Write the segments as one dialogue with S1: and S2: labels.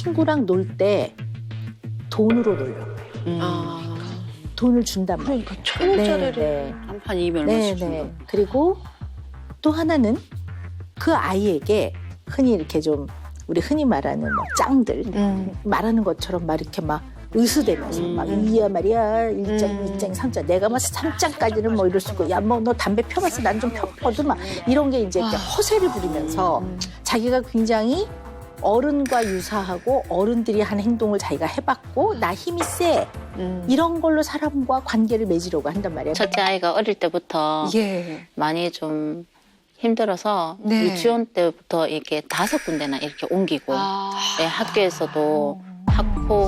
S1: 친구랑 놀 때 돈으로 놀려고 해요. 돈을 준단 말이에요.
S2: 그러니까 1,000원짜리를
S1: 네.
S3: 한 판 200원씩 준다.
S1: 네. 그리고 또 하나는 그 아이에게 흔히 이렇게 좀 우리 흔히 말하는 뭐 짱들 말하는 것처럼 막 이렇게 막 의수대면서 막 이야 말이야 1장, 2장, 3장 내가 뭐 3장까지는 뭐 이럴 수 있고 야 뭐 너 담배 펴봤어 난 좀 펴거든 막 이런 게 이제 이렇게 허세를 부리면서 자기가 굉장히 어른과 유사하고 어른들이 한 행동을 자기가 해봤고 나 힘이 세 이런 걸로 사람과 관계를 맺으려고 한단 말이에요.
S3: 첫째 아이가 어릴 때부터
S2: 예.
S3: 많이 좀 힘들어서
S2: 네.
S3: 유치원 때부터 이렇게 5군데나 이렇게 옮기고 네, 학교에서도 학폭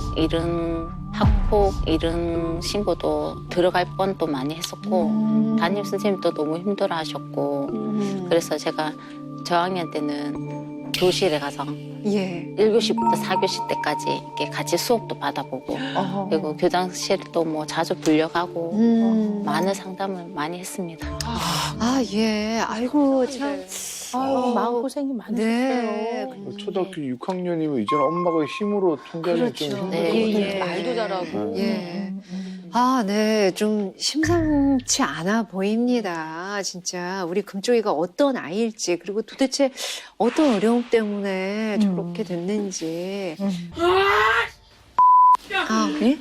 S3: 이런 신고도 들어갈 뻔도 많이 했었고 담임 선생님도 너무 힘들어하셨고 그래서 제가 저학년 때는 교실에 가서
S2: 예.
S3: 1교시부터 4교시 때까지 이렇게 같이 수업도 받아보고 그리고 교장실도 뭐 자주 불려가고 많은 상담을 많이 했습니다.
S2: 아, 예. 아이고, 참.
S1: 아유, 마음고생이 많으셨어요.
S2: 네.
S4: 초등학교 6학년이면 이제는 엄마가 힘으로 통제를 좀
S2: 그렇죠.
S4: 힘들어.
S3: 네.
S2: 예.
S5: 말도 잘하고.
S2: 예. 아, 네. 좀 심상치 않아 보입니다. 진짜. 우리 금쪽이가 어떤 아이일지, 그리고 도대체 어떤 어려움 때문에 저렇게 됐는지. 아, 네?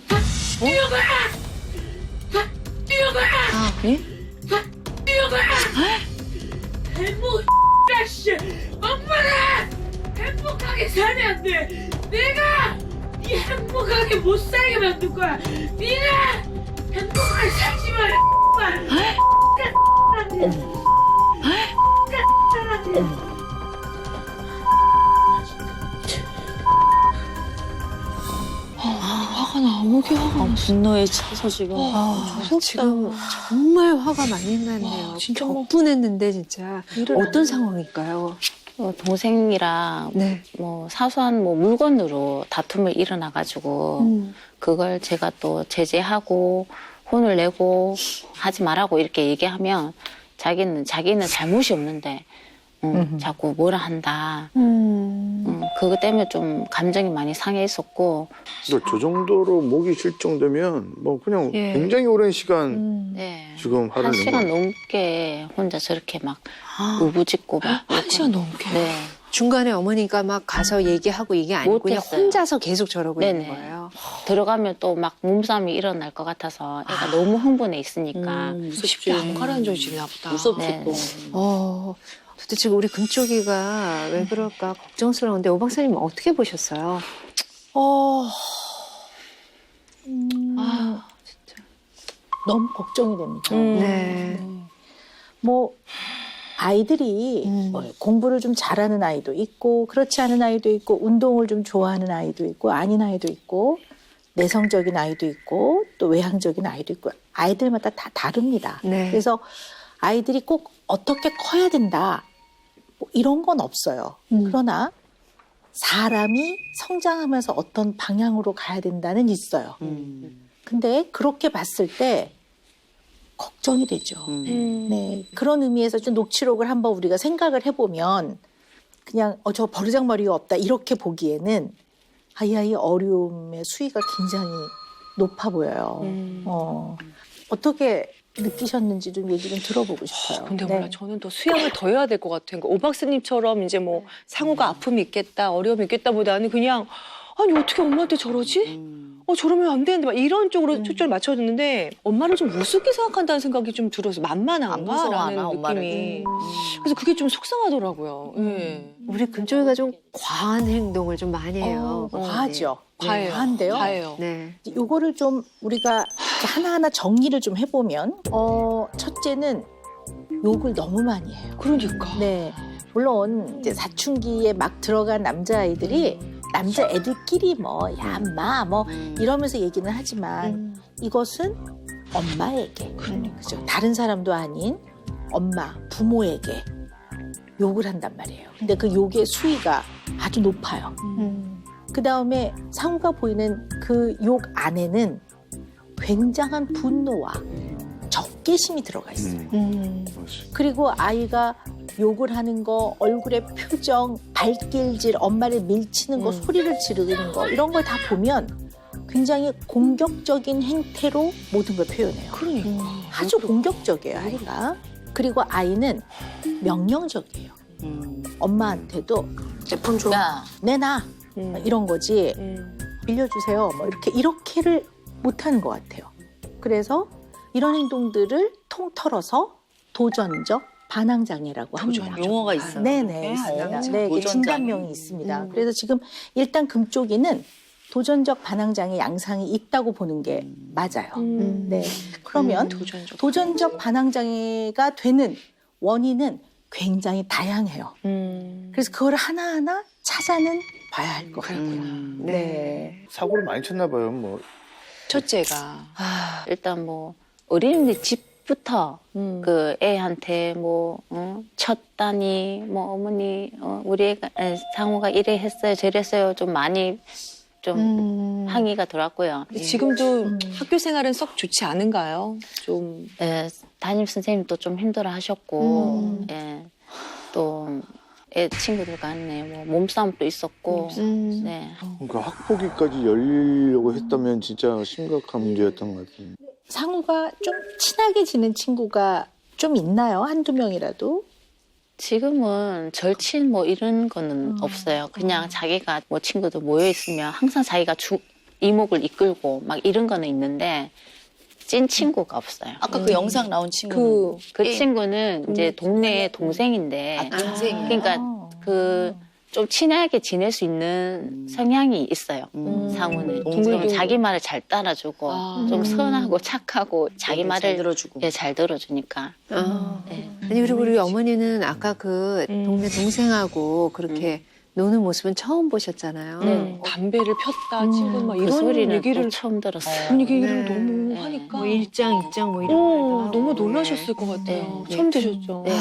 S2: 아, 네?
S6: 행복 씨 엄마가 행복하게 살면 안 돼. 내가 네 행복하게 못 살게 만들 거야. 네가 행복하게 살지 마.
S5: 화가 나. 오게 화가 나.
S3: 분노에 차서 지금
S2: 지금 정말 화가 많이 났네요.
S5: 와, 진짜
S2: 격분했는데, 진짜. 어떤 상황일까요?
S3: 동생이랑
S2: 네.
S3: 뭐 사소한 뭐 물건으로 다툼을 일어나가지고 그걸 제가 또 제재하고 혼을 내고 하지 말라고 이렇게 얘기하면 자기는 잘못이 없는데 자꾸 뭐라 한다. 그것 때문에 좀 감정이 많이 상해 있었고
S4: 그러니까 저 정도로 목이 쉴 정도면 뭐 그냥
S2: 예.
S4: 굉장히 오랜 시간
S3: 네.
S4: 지금 화를
S3: 한
S4: 낸
S3: 시간
S4: 거예요.
S3: 넘게 혼자 저렇게 막 우부짖고 막
S5: 1시간 넘게.
S3: 네.
S2: 중간에 어머니가 막 가서 얘기하고 이게 아니고 그냥
S3: 못했어요.
S2: 혼자서 계속 저러고 있는
S3: 네네.
S2: 거예요.
S3: 들어가면 또 막 몸싸움이 일어날 것 같아서 애가 너무 흥분해 있으니까
S5: 쉽게 안 가라앉아지나 보다.
S3: 네, 네.
S2: 도대체 우리 금쪽이가 왜 그럴까 걱정스러운데 오 박사님 어떻게 보셨어요?
S1: 너무 걱정이 됩니다.
S2: 네.
S1: 뭐 아이들이 뭐 공부를 좀 잘하는 아이도 있고 그렇지 않은 아이도 있고 운동을 좀 좋아하는 아이도 있고 아닌 아이도 있고 내성적인 아이도 있고 또 외향적인 아이도 있고 아이들마다 다 다릅니다.
S2: 네.
S1: 그래서 아이들이 꼭 어떻게 커야 된다 뭐 이런 건 없어요. 그러나 사람이 성장하면서 어떤 방향으로 가야 된다는 있어요. 근데 그렇게 봤을 때 걱정이 되죠. 네, 그런 의미에서 좀 녹취록을 한번 우리가 생각을 해보면 그냥 저 버르장머리가 없다 이렇게 보기에는 이 아이 어려움의 수위가 굉장히 높아 보여요. 어떻게 느끼셨는지 좀 얘기 좀 들어보고 싶어요.
S5: 근데
S1: 네.
S5: 몰라. 저는 더 수양을 더 해야 될 것 같아요. 그러니까 오 박사님처럼 이제 뭐 상우가 아픔이 있겠다, 어려움이 있겠다보다는 그냥 아니 어떻게 엄마한테 저러지? 저러면 안 되는데 막 이런 쪽으로 초점을 맞춰줬는데 엄마를 좀 우습게 생각한다는 생각이 좀 들어서 만만한가라는 느낌이. 그래서 그게 좀 속상하더라고요. 예.
S2: 우리 금쪽이가 좀 과한 행동을 좀 많이 해요.
S1: 과하죠.
S5: 과해요.
S1: 과한데요.
S5: 과해요.
S2: 네.
S1: 요거를 좀 우리가 하나하나 정리를 좀 해보면 첫째는 욕을 너무 많이 해요.
S5: 그러니까.
S1: 네, 물론 이제 사춘기에 막 들어간 남자아이들이 남자애들끼리 뭐 야, 인마 뭐 이러면서 얘기는 하지만 이것은 엄마에게 그죠? 다른 사람도 아닌 엄마, 부모에게 욕을 한단 말이에요. 근데 그 욕의 수위가 아주 높아요. 그 다음에 상우가 보이는 그 욕 안에는 굉장한 분노와 적개심이 들어가 있어요. 그리고 아이가 욕을 하는 거, 얼굴의 표정, 발길질, 엄마를 밀치는 거, 소리를 지르는 거 이런 걸 다 보면 굉장히 공격적인 행태로 모든 걸 표현해요.
S5: 그러니까.
S1: 아주 공격적이에요, 아이가. 그리고 아이는 명령적이에요. 엄마한테도
S2: 제품 줘.
S1: 내놔 이런 거지.
S5: 음.
S1: 빌려주세요. 뭐 이렇게를 못하는 것 같아요. 그래서 이런 행동들을 통틀어서 도전적 반항장애라고 합니다.
S7: 용어가 있어요.
S1: 네네, 있습니다. 네, 이게
S7: 도전장애.
S1: 진단명이 있습니다. 그래서 지금 일단 금쪽이는 도전적 반항장애 양상이 있다고 보는 게 맞아요. 네. 그러면 도전적 반항장애가 되는 원인은 굉장히 다양해요. 그래서 그걸 하나하나 찾아는 봐야 할 것 같고요. 네.
S4: 사고를 많이 쳤나 봐요. 뭐
S5: 첫째가.
S3: 일단 뭐 어린이집 집부터 그 애한테 뭐 쳤다니 뭐 어머니 우리 애가 상우가 이래 했어요 저래 했어요 좀 많이 좀 항의가 들어왔고요.
S5: 지금도 학교 생활은 썩 좋지 않은가요? 좀.
S3: 예, 담임 선생님도 좀 힘들어하셨고 예, 또 애 친구들 간에 뭐 몸싸움도 있었고 네.
S4: 그러니까 학폭위까지 열리려고 했다면 진짜 심각한 문제였던 것 같아요.
S1: 상우가 좀 친하게 지낸 친구가 좀 있나요? 한두 명이라도?
S3: 지금은 절친 뭐 이런 거는 없어요. 그냥 자기가 뭐 친구들 모여 있으면 항상 자기가 이목을 이끌고 막 이런 거는 있는데 찐 친구가 없어요.
S7: 아까 그 영상 나온 친구는
S3: 그 친구는 이제 동네 동생인데
S7: 동생이에요?
S3: 그러니까 그 좀 친하게 지낼 수 있는 성향이 있어요. 상우는 좀 자기 말을 잘 따라주고 좀 선하고 착하고 자기 말을
S7: 잘 들어주고.
S3: 예, 잘 들어주니까. 네.
S2: 아니 그리고 우리 어머니는 아까 그 동네 동생하고 그렇게 노는 모습은 처음 보셨잖아요.
S5: 담배를 폈다, 친구는 막
S3: 그
S5: 이런
S3: 소리는
S5: 얘기를.
S3: 또 처음 들었어요.
S5: 그런 얘기를
S2: 네.
S5: 너무
S3: 네.
S5: 하니까.
S2: 뭐 일장 뭐 이런 말도 하고.
S5: 너무 놀라셨을 것 같아요.
S3: 네.
S5: 처음 드셨죠.
S3: 네.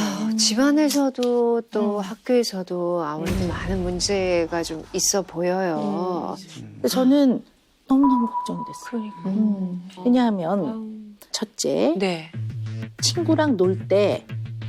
S2: 집안에서도 또 학교에서도 아무래도 많은 문제가 좀 있어 보여요.
S1: 근데 저는 너무너무 걱정이 됐어요.
S5: 그러니까.
S1: 왜냐하면 첫째,
S5: 네.
S1: 친구랑 놀 때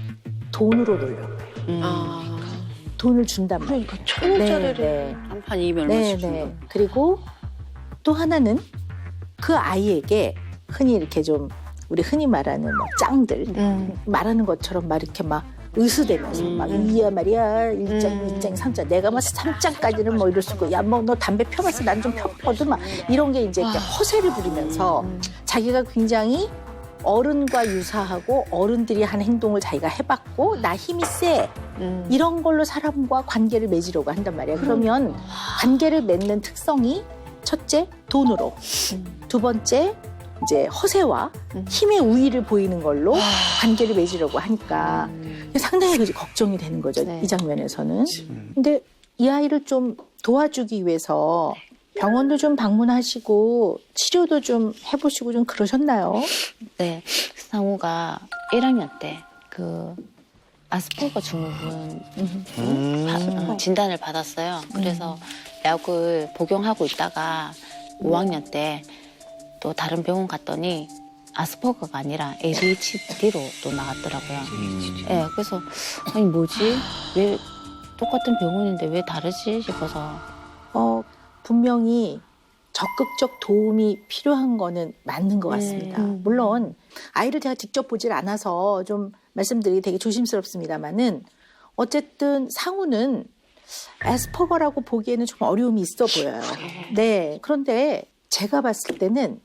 S1: 돈으로 놀려고 해요. 돈을 준단 말이에요.
S5: 그러니까 천원짜리를.
S1: 네,
S7: 한판 이면
S1: 네,
S7: 얼마씩
S1: 네.
S7: 준다.
S1: 그리고 또 하나는 그 아이에게 흔히 이렇게 좀 우리 흔히 말하는 뭐 짱들 말하는 것처럼 막 이렇게 막 의수대면서 막 이야 말이야 1장, 2장, 3장 내가 뭐 3장까지는 뭐 이럴 수 있고 야 뭐 너 담배 펴봤어 난 좀 펴거든 막 이런 게 이제 이렇게 허세를 부리면서 자기가 굉장히 어른과 유사하고 어른들이 한 행동을 자기가 해봤고 나 힘이 세 이런 걸로 사람과 관계를 맺으려고 한단 말이야. 그러면 관계를 맺는 특성이 첫째 돈으로, 두 번째 이제 허세와 힘의 우위를 보이는 걸로 관계를 맺으려고 하니까 상당히 걱정이 되는 거죠.
S3: 네.
S1: 이 장면에서는. 근데 이 아이를 좀 도와주기 위해서 병원도 좀 방문하시고 치료도 좀 해보시고 좀 그러셨나요?
S3: 네, 상우가 1학년 때 그 아스퍼거 증후군 진단을 받았어요. 그래서 약을 복용하고 있다가 5학년 때 또 다른 병원 갔더니 아스퍼거가 아니라 ADHD로 또 나왔더라고요. 네, 그래서 아니 뭐지? 왜 똑같은 병원인데 왜 다르지 싶어서
S1: 분명히 적극적 도움이 필요한 거는 맞는 것 같습니다. 물론 아이를 제가 직접 보질 않아서 좀 말씀드리기 되게 조심스럽습니다만은 어쨌든 상우는 애스퍼거라고 보기에는 좀 어려움이 있어 보여요. 네. 그런데 제가 봤을 때는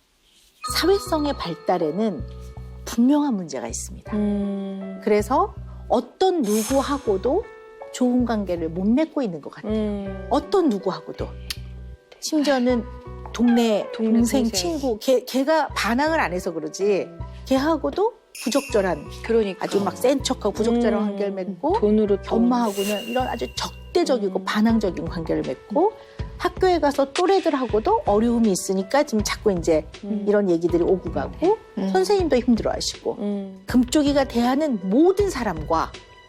S1: 사회성의 발달에는 분명한 문제가 있습니다. 그래서 어떤 누구하고도 좋은 관계를 못 맺고 있는 것 같아요. 어떤 누구하고도. 심지어는 동네 동생, 친구, 걔가 반항을 안 해서 그러지 걔하고도 부적절한
S5: 그러니까.
S1: 아주 막 센 척하고 부적절한 관계를 맺고
S5: 돈으로
S1: 엄마하고는 이런 아주 적대적이고 반항적인 관계를 맺고 학교에 가서 또래들하고도 어려움이 있으니까 지금 자꾸 이제 이런 얘기들이 오고 가고 선생님도 힘들어하시고 금쪽이가 대하는 모든 사람과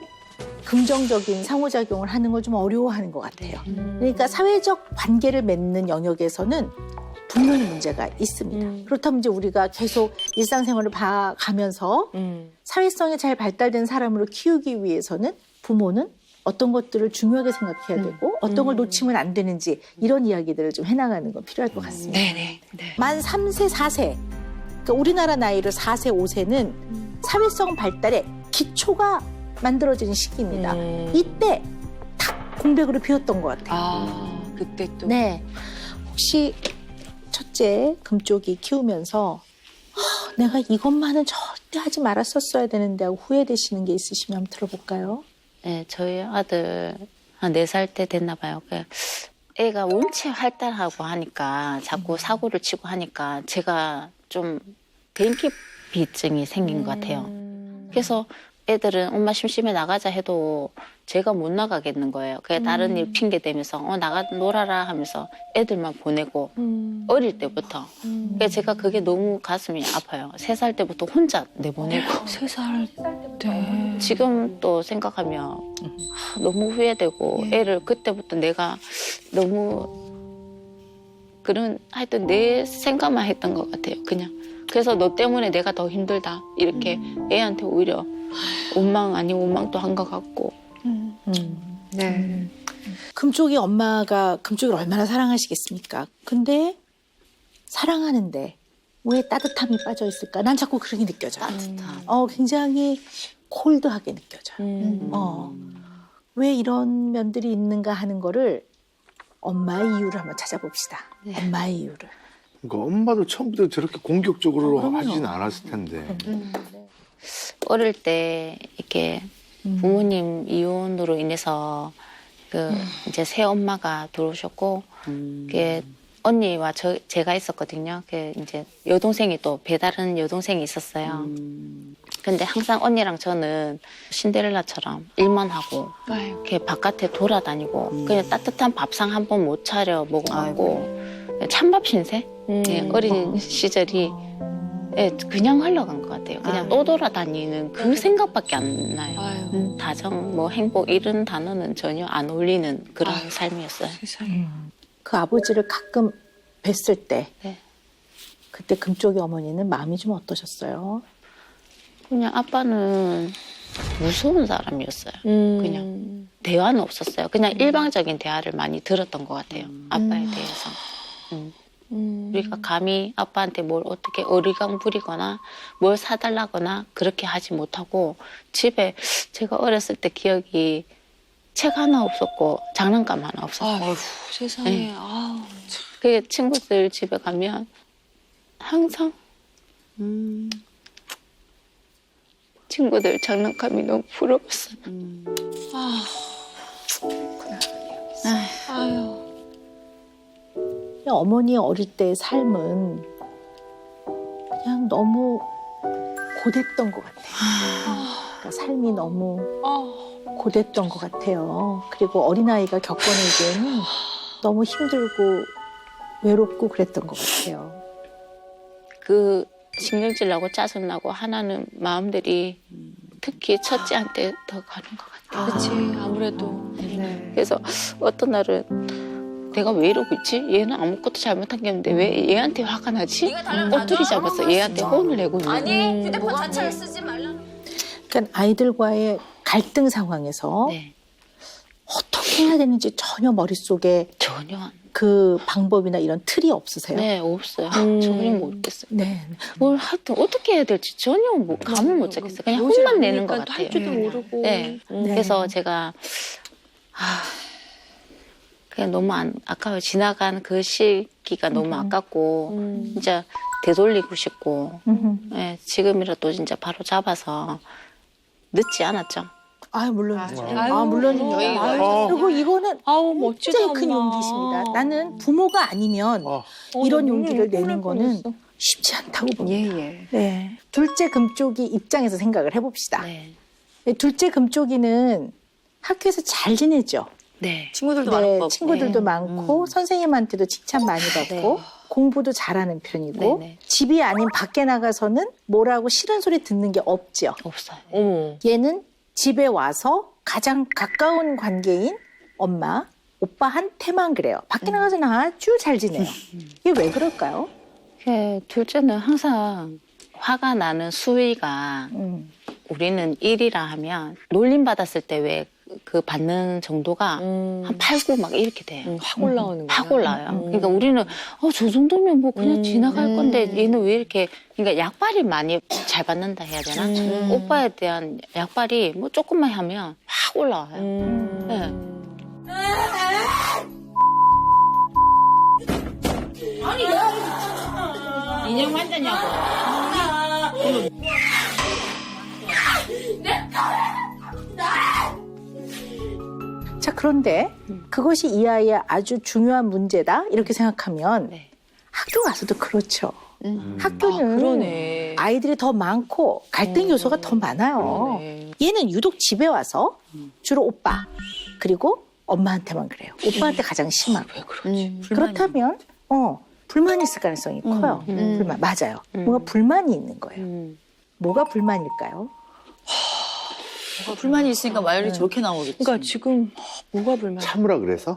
S1: 긍정적인 상호작용을 하는 걸 좀 어려워하는 것 같아요. 그러니까 사회적 관계를 맺는 영역에서는 분명히 문제가 있습니다. 그렇다면 이제 우리가 계속 일상생활을 봐가면서 사회성이 잘 발달된 사람으로 키우기 위해서는 부모는 어떤 것들을 중요하게 생각해야 되고 어떤 걸 놓치면 안 되는지 이런 이야기들을 좀 해나가는 건 필요할 것 같습니다.
S2: 네네.
S1: 만 3세, 4세, 그러니까 우리나라 나이로 4세, 5세는 사회성 발달의 기초가 만들어지는 시기입니다. 이때 탁 공백으로 비웠던 것 같아요.
S5: 아, 그때 또.
S1: 네, 혹시 첫째 금쪽이 키우면서 내가 이것만은 절대 하지 말았었어야 되는데 하고 후회되시는 게 있으시면 한번 들어볼까요?
S3: 네, 저희 아들 한 4살 때 됐나 봐요. 애가 원체 활달하고 하니까 자꾸 사고를 치고 하니까 제가 좀 대인기피증이 생긴 것 같아요. 그래서 애들은 엄마 심심해 나가자 해도 제가 못 나가겠는 거예요. 그게 다른 일 핑계 대면서 나가 놀아라 하면서 애들만 보내고 어릴 때부터. 그래서 제가 그게 너무 가슴이 아파요. 3살 때부터 혼자 내보내고.
S5: 3살 때.
S3: 지금 또 생각하면 너무 후회되고 애를 그때부터 내가 너무 그런 하여튼 내 생각만 했던 것 같아요. 그냥. 그래서 너 때문에 내가 더 힘들다. 이렇게 애한테 오히려 원망 아닌 원망도 한 것 같고.
S2: 네.
S1: 금쪽이 엄마가 금쪽이를 얼마나 사랑하시겠습니까? 근데 사랑하는데 왜 따뜻함이 빠져 있을까? 난 자꾸 그렇게 느껴져요.
S3: 따뜻함.
S1: 굉장히 콜드하게 느껴져요. 왜 이런 면들이 있는가 하는 거를 엄마의 이유를 한번 찾아봅시다.
S3: 네.
S1: 엄마의 이유를.
S4: 그러니까 엄마도 처음부터 저렇게 공격적으로
S1: 그럼요.
S4: 하진 않았을 텐데.
S3: 어릴 때 이렇게 부모님 이혼으로 인해서 이제 새 엄마가 들어오셨고 그게 언니와 제가 있었거든요. 그 이제 여동생이 또 배다른 여동생이 있었어요. 근데 항상 언니랑 저는 신데렐라처럼 일만 하고 이렇게 바깥에 돌아다니고 그냥 따뜻한 밥상 한 번 못 차려 먹어갖고 찬밥 신세? 네, 어린 시절이 그냥 흘러간 것 같아요. 그냥 떠돌아다니는 그 생각밖에 안 나요. 다정, 뭐 행복 이런 단어는 전혀 안 어울리는 그런 삶이었어요.
S1: 그 아버지를 가끔 뵀을 때
S3: 네.
S1: 그때 금쪽이 어머니는 마음이 좀 어떠셨어요?
S3: 그냥 아빠는 무서운 사람이었어요. 그냥 대화는 없었어요. 그냥 일방적인 대화를 많이 들었던 것 같아요. 아빠에 대해서. 우리가 감히 아빠한테 뭘 어떻게 어리광 부리거나 뭘 사달라거나 그렇게 하지 못하고 집에 제가 어렸을 때 기억이 책 하나 없었고 장난감 하나 없었어요.
S5: 아휴, 세상에.
S3: 네.
S5: 아우.
S3: 그 친구들 집에 가면 항상 친구들 장난감이 너무 부러웠어요.
S5: 아유.
S1: 어머니 어릴 때의 삶은 그냥 너무 고됐던 것 같아요. 그러니까 삶이 너무 고됐던 것 같아요. 그리고 어린아이가 겪어내기에는 너무 힘들고 외롭고 그랬던 것 같아요.
S3: 그 신경질 나고 짜증 나고 하나는 마음들이 특히 첫째한테 더 가는 것 같아요.
S5: 그렇지, 아무래도.
S2: 네.
S3: 그래서 어떤 날은 내가 왜 이러고 있지? 얘는 아무것도 잘못한 게 없는데 왜 얘한테 화가 나지? 꼬투리 잡아서 얘한테 혼을 내고 있는
S7: 아니 휴대폰 자체를 쓰지 말라는.
S1: 그러니까 아이들과의 갈등 상황에서
S3: 네,
S1: 어떻게 해야 되는지 전혀 머릿속에
S3: 전혀 안.
S1: 그 방법이나 이런 틀이 없으세요?
S3: 네, 없어요. 전혀 모르겠어요.
S1: 네.
S3: 뭘 하여튼 어떻게 해야 될지 전혀 감을 못 잡겠어요. 그냥 혼만 내는 것 같아요.
S5: 할 줄도 모르고.
S3: 네. 그래서 제가 그냥 너무 아까워요. 지나간 그 시기가 너무 아깝고 진짜 되돌리고 싶고 네, 지금이라도 진짜 바로 잡아서 늦지 않았죠.
S1: 물론이죠.
S5: 아유,
S1: 물론입니다.
S5: 아유.
S1: 그리고 이거는
S5: 아우, 멋지다.
S1: 굉장히 큰
S5: 엄마.
S1: 용기십니다. 나는 부모가 아니면 이런 용기를 내는 거는 쉽지 않다고 봅니다.
S2: 예.
S1: 네. 둘째 금쪽이 입장에서 생각을 해봅시다.
S3: 네.
S1: 둘째 금쪽이는 학교에서 잘 지내죠.
S3: 네.
S7: 친구들도
S1: 네,
S7: 많은 거.
S1: 친구들도 많고 선생님한테도 칭찬 많이 받고 공부도 잘하는 편이고
S3: 네네.
S1: 집이 아닌 밖에 나가서는 뭐라고 싫은 소리 듣는 게 없죠.
S3: 없어요.
S5: 어머.
S1: 얘는 집에 와서 가장 가까운 관계인 엄마, 오빠한테만 그래요. 밖에 나가서는 아주 잘 지내요. 이게 왜 그럴까요?
S3: 둘째는 항상 화가 나는 수위가 우리는 1이라 하면 놀림 받았을 때 왜 그 받는 정도가 한 8, 9 막 이렇게 돼요.
S5: 확 올라오는 거야.
S3: 확 올라요. 그러니까 우리는 저 정도면 뭐 그냥 지나갈 건데 얘는 왜 이렇게 그러니까 약발이 많이 잘 받는다 해야 되나? 오빠에 대한 약발이 뭐 조금만 하면 확 올라와요. 네. 인형 환자냐고.
S1: 자, 그런데 그것이 이 아이의 아주 중요한 문제다 이렇게 생각하면
S3: 네.
S1: 학교 가서도 그렇죠. 학교는
S5: 그러네.
S1: 아이들이 더 많고 갈등 요소가 더 많아요.
S5: 그러네.
S1: 얘는 유독 집에 와서 주로 오빠 그리고 엄마한테만 그래요. 오빠한테 가장 심하고.
S5: 왜 그러지?
S1: 그렇다면 불만이 있을 가능성이 커요. 불만 맞아요. 뭔가 불만이 있는 거예요. 뭐가 불만일까요?
S8: 불만이 있으니까 말이 저렇게 나오겠지.
S5: 그러니까 지금 뭐가 불만?
S4: 참으라 그래서?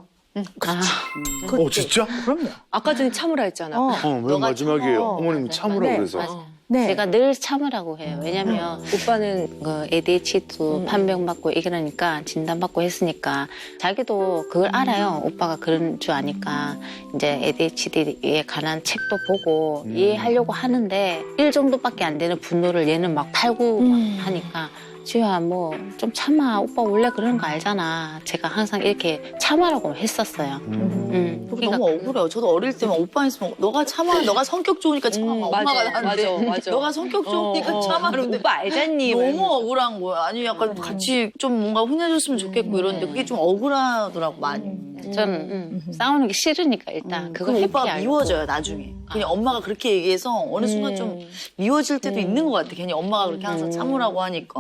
S4: 진짜?
S1: 그럼요.
S5: 아까 전에 참으라 했잖아.
S4: 맨 마지막에 어머님
S1: 맞아요.
S4: 참으라
S1: 네,
S4: 그래서.
S3: 맞아요.
S1: 네.
S3: 제가 늘 참으라고 해요. 왜냐면
S5: 오빠는
S3: 그 ADHD도 판명받고 이러니까 진단받고 했으니까 자기도 그걸 알아요. 오빠가 그런 줄 아니까 이제 ADHD에 관한 책도 보고 이해하려고 하는데 1 정도밖에 안 되는 분노를 얘는 막 팔고 하니까 지우야 뭐 좀 참아. 오빠 원래 그런 거 알잖아. 제가 항상 이렇게 참아라고 했었어요.
S8: 너무 억울해요. 저도 어릴 때만 오빠 있으면 너가 참아. 너가 성격 좋으니까 참아. 엄마가 나한테
S5: 맞아.
S8: 너가 성격 좋으니까 참아. 그런데
S5: 오빠 알잖니.
S8: 너무 억울한 거야. 아니 약간 같이 좀 뭔가 혼내줬으면 좋겠고 이러는데 그게 좀 억울하더라고 많이.
S3: 저는 싸우는 게 싫으니까 일단 그거
S8: 그럼 오빠가
S3: 회피하려고.
S8: 미워져요 나중에. 그냥 엄마가 그렇게 얘기해서 어느 순간 좀 미워질 때도 있는 것 같아. 괜히 엄마가 그렇게 항상 참으라고 하니까.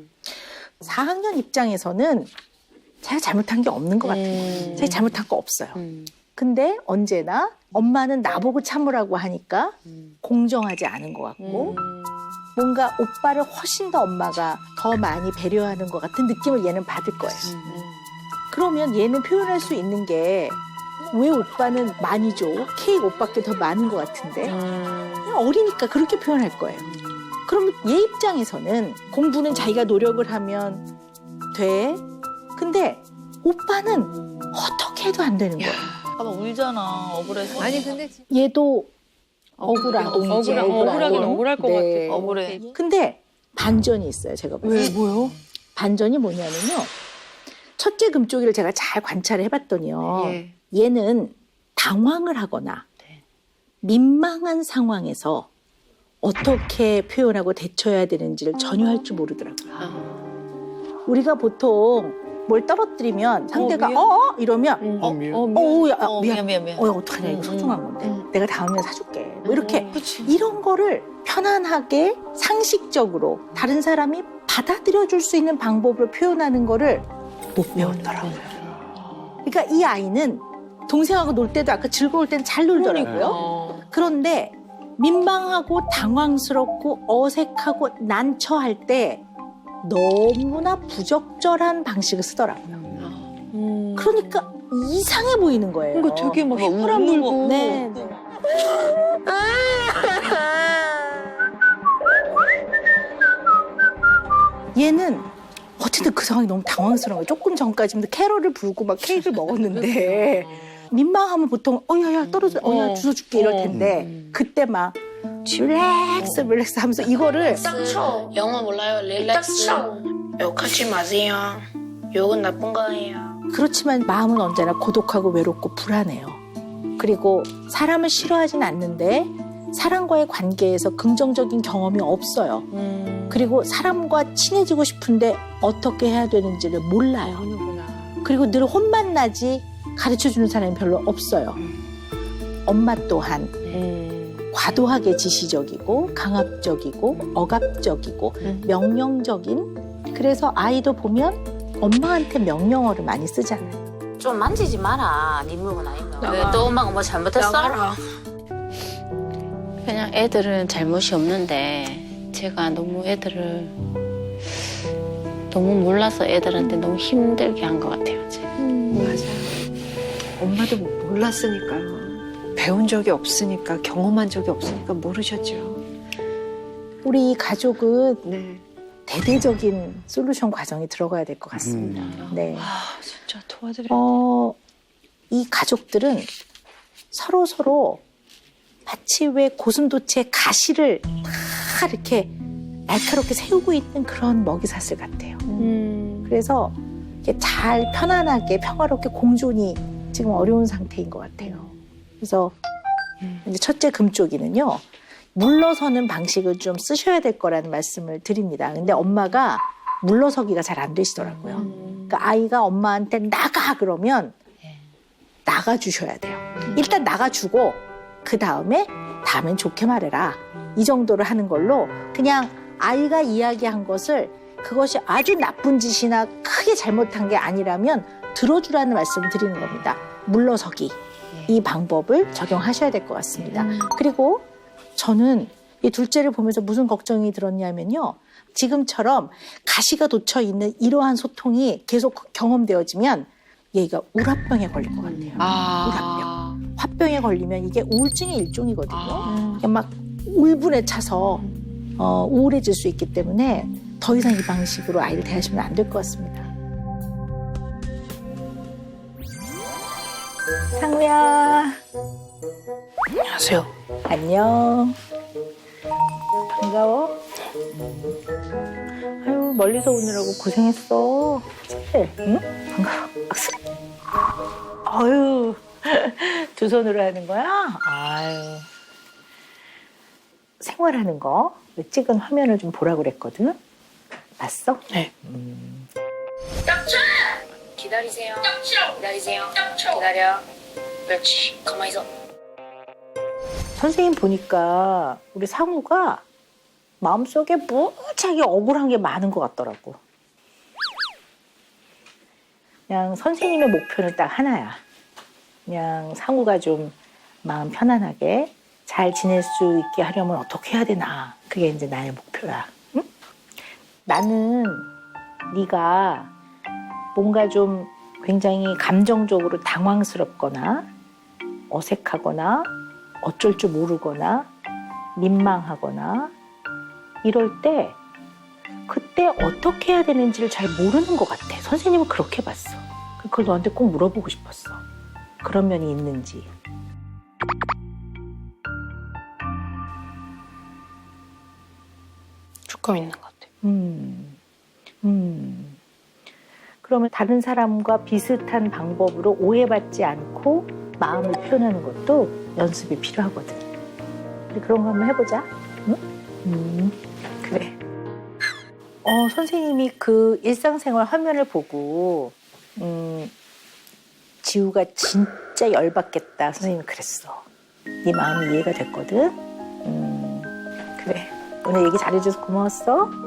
S1: 4학년 입장에서는 제가 잘못한 게 없는 것 같아요. 제가 잘못한 거 없어요. 근데 언제나 엄마는 나보고 참으라고 하니까 공정하지 않은 것 같고 뭔가 오빠를 훨씬 더 엄마가 더 많이 배려하는 것 같은 느낌을 얘는 받을 거예요. 그러면 얘는 표현할 수 있는 게 왜 오빠는 많이 줘? 케이크 오빠께 더 많은 것 같은데? 그냥 어리니까 그렇게 표현할 거예요. 그러면 얘 입장에서는 공부는 자기가 노력을 하면 돼. 근데 오빠는 어떻게 해도 안 되는 거예요.
S8: 봐봐 울잖아 억울해서.
S2: 아니 근데
S1: 얘도 억울하동이지.
S5: 억울하긴 억울할 것
S1: 네.
S5: 같아.
S8: 억울해.
S1: 근데 반전이 있어요. 제가 봤을 때.
S5: 뭐요?
S1: 반전이 뭐냐면요. 첫째 금쪽이를 제가 잘 관찰을 해봤더니요.
S2: 예.
S1: 얘는 당황을 하거나 민망한 상황에서 어떻게 표현하고 대처해야 되는지를 전혀 할 줄 모르더라고요. 우리가 보통 뭘 떨어뜨리면 상대가 이러면 미안. 어떡하냐 이거 소중한 건데 내가 다음에 사줄게 뭐 이렇게 이런 거를 편안하게 상식적으로 다른 사람이 받아들여줄 수 있는 방법으로 표현하는 거를 못 배웠더라고요. 그러니까 이 아이는 동생하고 놀 때도 아까 즐거울 때는 잘 놀더라고요. 그런데 민망하고 당황스럽고 어색하고 난처할 때 너무나 부적절한 방식을 쓰더라고요. 그러니까 이상해 보이는 거예요.
S5: 그러니까 되게 막 휘파람 불고.
S1: 네. 얘는 어쨌든 그 상황이 너무 당황스러운 거예요. 조금 전까지는 캐럴을 불고 막 케이크를 먹었는데 민망하면 보통 야야 떨어져 야 주워 줄게 이럴 텐데 그때 막 릴렉스 하면서 이거를
S7: 쳐. 영어 몰라요? 릴렉스. 욕하지 마세요. 욕은 나쁜 거예요.
S1: 그렇지만 마음은 언제나 고독하고 외롭고 불안해요. 그리고 사람을 싫어하진 않는데 사람과의 관계에서 긍정적인 경험이 없어요. 그리고 사람과 친해지고 싶은데 어떻게 해야 되는지를 몰라요. 그리고 늘 혼만 나지 가르쳐주는 사람이 별로 없어요. 엄마 또한 과도하게 지시적이고 강압적이고 억압적이고 명령적인 그래서 아이도 보면 엄마한테 명령어를 많이 쓰잖아요.
S3: 좀 만지지 마라. 네 물건 아니면. 왜 또 엄마가 뭐 잘못했어? 그냥 애들은 잘못이 없는데 제가 너무 애들을 너무 몰라서 애들한테 너무 힘들게 한 것 같아요. 제가.
S2: 맞아요. 엄마도 몰랐으니까요. 배운 적이 없으니까, 경험한 적이 없으니까 모르셨죠.
S1: 우리 가족은
S2: 네.
S1: 대대적인 솔루션 과정이 들어가야 될 것 같습니다. 네.
S5: 아 진짜 도와드려.
S1: 이 가족들은 서로 마치 왜 고슴도치의 가시를 다 이렇게 날카롭게 세우고 있는 그런 먹이사슬 같아요. 그래서 이렇게 잘 편안하게 평화롭게 공존이 지금 어려운 상태인 것 같아요. 그래서 이제 첫째 금쪽이는요. 물러서는 방식을 좀 쓰셔야 될 거라는 말씀을 드립니다. 근데 엄마가 물러서기가 잘 안 되시더라고요. 그러니까 아이가 엄마한테 나가 그러면 나가주셔야 돼요. 일단 나가주고 그 다음엔 좋게 말해라. 이 정도를 하는 걸로 그냥 아이가 이야기한 것을 그것이 아주 나쁜 짓이나 크게 잘못한 게 아니라면 들어주라는 말씀을 드리는 겁니다. 물러서기. 이 방법을 적용하셔야 될 것 같습니다. 그리고 저는 이 둘째를 보면서 무슨 걱정이 들었냐면요. 지금처럼 가시가 돋쳐 있는 이러한 소통이 계속 경험되어지면 얘가 우라병에 걸릴 것 같아요. 우라병. 화병에 걸리면 이게 우울증의 일종이거든요. 그냥 막 울분에 차서 우울해질 수 있기 때문에 더 이상 이 방식으로 아이를 대하시면 안 될 것 같습니다. 상우야.
S7: 안녕하세요.
S1: 안녕. 반가워. 아유, 멀리서 오느라고 고생했어. 그치? 응? 반가워. 박수. 아유, 두 손으로 하는 거야? 아유. 생활하는 거 찍은 화면을 좀 보라고 그랬거든. 봤어?
S7: 네. 기다리세요. 기다리세요. 기다려. 그렇지. 가만히 있어.
S1: 선생님 보니까 우리 상우가 마음속에 무지하게 억울한 게 많은 것 같더라고. 그냥 선생님의 목표는 딱 하나야. 그냥 상우가 좀 마음 편안하게 잘 지낼 수 있게 하려면 어떻게 해야 되나. 그게 이제 나의 목표야. 응? 나는 네가 뭔가 좀 굉장히 감정적으로 당황스럽거나 어색하거나 어쩔 줄 모르거나 민망하거나 이럴 때 그때 어떻게 해야 되는지를 잘 모르는 것 같아. 선생님은 그렇게 봤어. 그걸 너한테 꼭 물어보고 싶었어. 그런 면이 있는지.
S7: 조금 있는 것 같아요.
S1: 그러면 다른 사람과 비슷한 방법으로 오해받지 않고 마음을 표현하는 것도 연습이 필요하거든. 우리 그런 거 한번 해보자. 응? 그래. 선생님이 그 일상생활 화면을 보고 지우가 진짜 열받겠다. 선생님이 그랬어. 네 마음이 이해가 됐거든. 그래. 오늘 얘기 잘해줘서 고마웠어.